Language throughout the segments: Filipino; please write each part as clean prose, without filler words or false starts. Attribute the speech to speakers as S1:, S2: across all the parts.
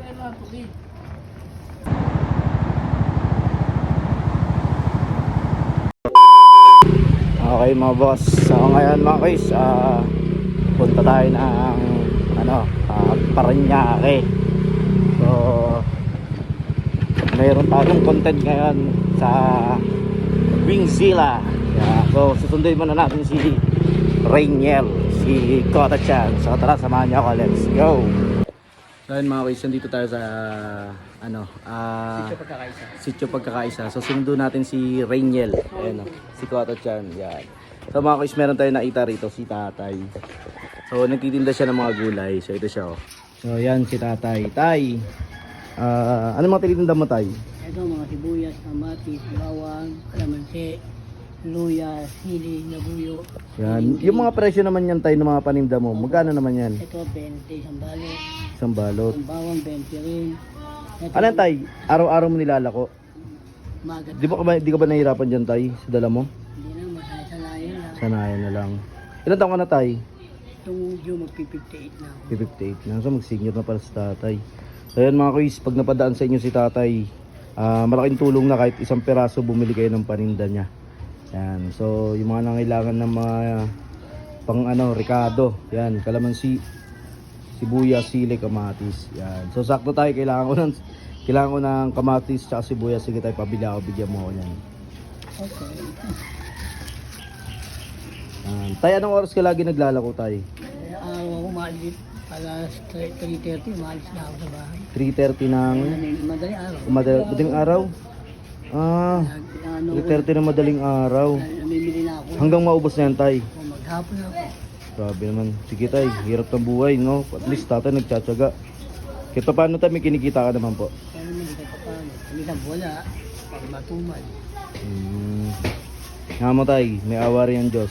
S1: Okay mga boss, so ngayon mga guys, punta tayo ng Parañaque. So mayroon tayong content ngayon sa Wingzilla. So susunduin muna natin si Rainiel, si Kota-chan. So tara, samahan niyo ako, let's go. So yun mga guys, nandito tayo sa Sitio Pagkakaisa. So sinundo natin si Rainiel, ayun, si Kota-chan. Yan. So mga guys, meron tayo nakita rito, si Tatay. So nagtitinda siya ng mga gulay. So ito siya, oh. So yan si Tatay. Tay, ano mga tinitinda mo, Tay?
S2: Ito mga sibuyas, kamatis, bawang, kalamansi, luya, sili, labuyo.
S1: Yan. Yung mga presyo naman yan, Tay, ng mga paninda mo, magkano naman yan?
S2: Ito 20, isang balot.
S1: Isang balot.
S2: Ang bawang 20 rin. Ito,
S1: Ano yan, Tay? Araw-araw mo nilalako?
S2: magat.
S1: Di ka ba nahihirapan dyan, Tay, sa dala mo?
S2: Hindi na, masaya-salayan lang.
S1: Sanayan na lang. Ilan taon ka na, Tay?
S2: Itong June magpi-58 na ako.
S1: 58 na. So mag-senior na para sa tatay. So yan mga kuys, pag napadaan sa inyo si tatay, malaking tulong na kahit isang peraso bumili kayo ng paninda niya. Yan. So yung mga nangailangan ng mga pang ricado, yan, kalamansi, sibuyas, sili, kamatis. Yan. So sakto tayo, kailangan ko ng kamatis at sibuyas. Sige tayo, pabili ako, bigyan mo ako yan.
S2: Okay.
S1: Tay, anong oras ka lagi naglalako, Tay?
S2: Ako maalit. Alas 3:30, maalis na ako sa bahay.
S1: 3:30 ng
S2: Madaling araw.
S1: madaling araw? 3:30 ng madaling araw.
S2: Namimili na ako.
S1: Hanggang maubos na yan, Tay.
S2: Maghapon ako.
S1: Grabe naman. Sige, Tay, hirap ng buhay, no? At least tatay nagtsatsaga. Kahit pa paano, Tay, may kinikita ka naman po.
S2: Kaya naman hindi ka paano. Kamisang wala. Pag matumal.
S1: Nga mo, Tay, may awa rin ang Diyos.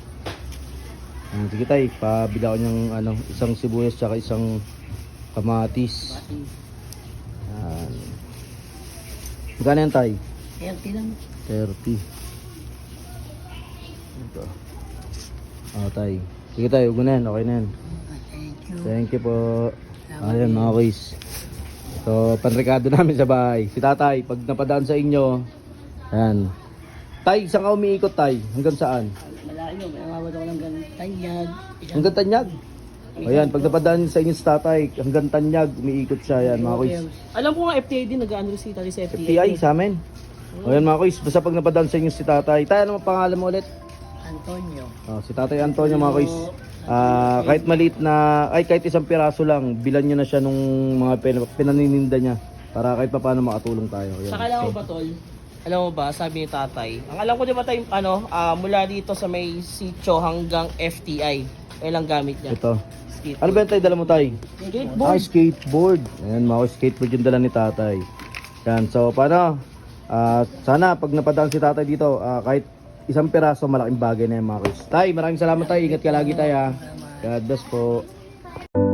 S1: Sige, Tay, pabila ko niyang isang sibuyas tsaka isang kamatis.
S2: Pati.
S1: Magkano yan, Tay?
S2: 30 lang.
S1: 30. Ito. Tay. Sige, Tay, huwag na yan. Okay na yan.
S2: Thank you.
S1: Thank you po. Ayan mga kuys. So panrekado namin sa bahay. Si tatay, pag napadaan sa inyo, ayan. Tay, saan ka umiikot, Tay? Hanggang saan?
S2: Malayo, may umabot ako ng Tanyag.
S1: Hanggang Tanyag. Ayan, pag napadaan sa inyo sa tatay, hanggang Tanyag, umiikot siya. Ayan mga kuys.
S3: Alam ko nga FTA din, nag-ano si Tali sa FTA.
S1: FTI sa amin. Ayan mga kuys, basta pag napadaan sa inyo si tatay. Tay, ano ang pangalan mo ulit?
S2: Antonio.
S1: Si tatay Antonio mga kuys. Kahit maliit na, kahit isang piraso lang, bilan nyo na siya nung mga pinanininda niya para kahit pa paano makatulong tayo. Ayan.
S3: Saka alam mo ba, Tol? Alam mo ba, sabi ni tatay, ang alam ko di ba tayo, mula dito sa may sitio hanggang FTI, ilang gamit niya?
S1: Ito.
S3: Skateboard.
S1: Ano ba yung tay dala mo, Tay?
S3: Skateboard.
S1: Skateboard. Ayan, mga skateboard yung dala ni tatay. Yan, so paano? Sana pag napadaan si tatay dito, kahit isang piraso, malaking bagay na yung mga kuys. Tay, maraming salamat, Tay. Ingat ka lagi, Tay, ha. God bless po.